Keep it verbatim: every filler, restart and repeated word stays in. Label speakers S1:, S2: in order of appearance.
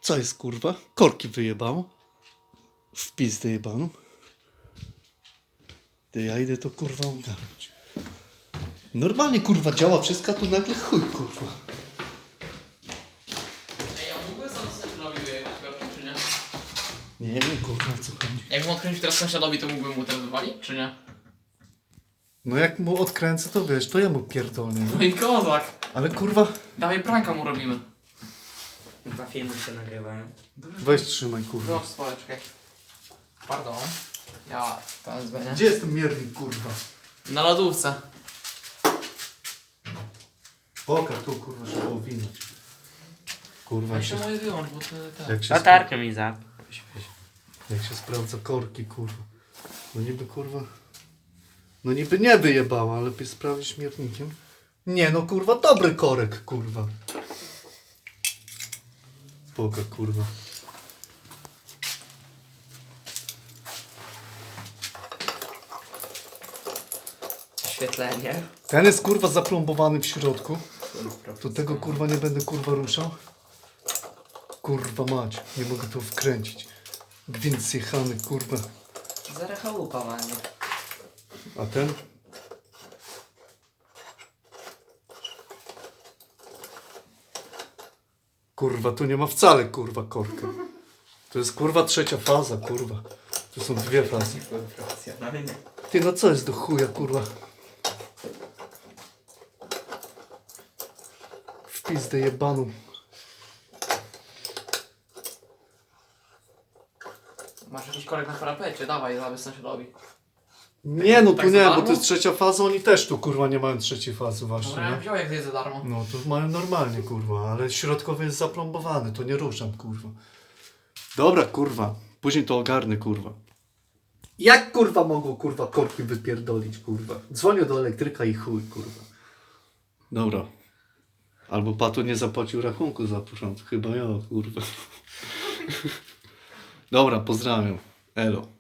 S1: Co jest kurwa? Korki wyjebało. W pizdę jebaną. Ty, ja idę to kurwa ogarnąć. Normalnie kurwa działa wszystko, a tu nagle chuj kurwa.
S2: Ej, ja mógłbym sam sąsiadowi wyjechać, czy nie?
S1: Nie wiem kurwa o co chodzi.
S2: Jakbym odkręcił teraz sąsiadowi, to mógłbym mu teraz wywalić, czy nie?
S1: No jak mu odkręcę, to wiesz, to ja mu pierdolę.
S2: No i kozak!
S1: Ale kurwa...
S2: Dawaj pranka mu robimy.
S3: Dwa filmy się nagrywają.
S1: Weź trzymaj kurwa.
S2: No, spore, czekaj. Pardon. Ja to zbędę.
S1: Gdzie jest ten miernik kurwa?
S2: Na lodówce.
S1: Pokaż tu kurwa, żeby owinąć. Kurwa
S2: Ja
S1: się...
S2: się moje wyłącz, bo to tak.
S1: Jak się,
S3: Latarkę mi za.
S1: jak się sprawdza korki kurwa. No niby kurwa... No niby nie wyjebała, ale by sprawdzić miernikiem. Nie no kurwa, dobry korek kurwa. Spoko kurwa.
S3: Oświetlenie.
S1: Ten jest kurwa zaplombowany w środku. To tego kurwa nie będę kurwa ruszał. Kurwa mać, nie mogę tu wkręcić. Gwint zjechany kurwa.
S3: Zarechałupa ładnie.
S1: A ten? Kurwa, tu nie ma wcale kurwa korka. To jest kurwa trzecia faza kurwa. Tu są dwie fazy.
S3: Profesjonalnie.
S1: Ty no co jest do chuja kurwa? W pizdę jebaną.
S2: Masz jakiś korek na parapecie, dawaj, dawaj sąsiadowi.
S1: Nie no tu
S2: Tak
S1: nie,
S2: za
S1: bo
S2: darmo?
S1: to jest trzecia faza, oni też tu kurwa nie mają trzeciej fazy właśnie,
S2: Dobra, ja
S1: nie?
S2: wziął jak to jest za darmo.
S1: No to mają normalnie kurwa, ale środkowy jest zaplombowany, to nie ruszam kurwa. Dobra kurwa, później to ogarnę kurwa. Jak kurwa mogło kurwa korki wypierdolić kurwa? Dzwonię do elektryka i chuj kurwa. Dobra. Albo Pato nie zapłacił rachunku za początek, chyba ja kurwa. Dobra, pozdrawiam. Elo.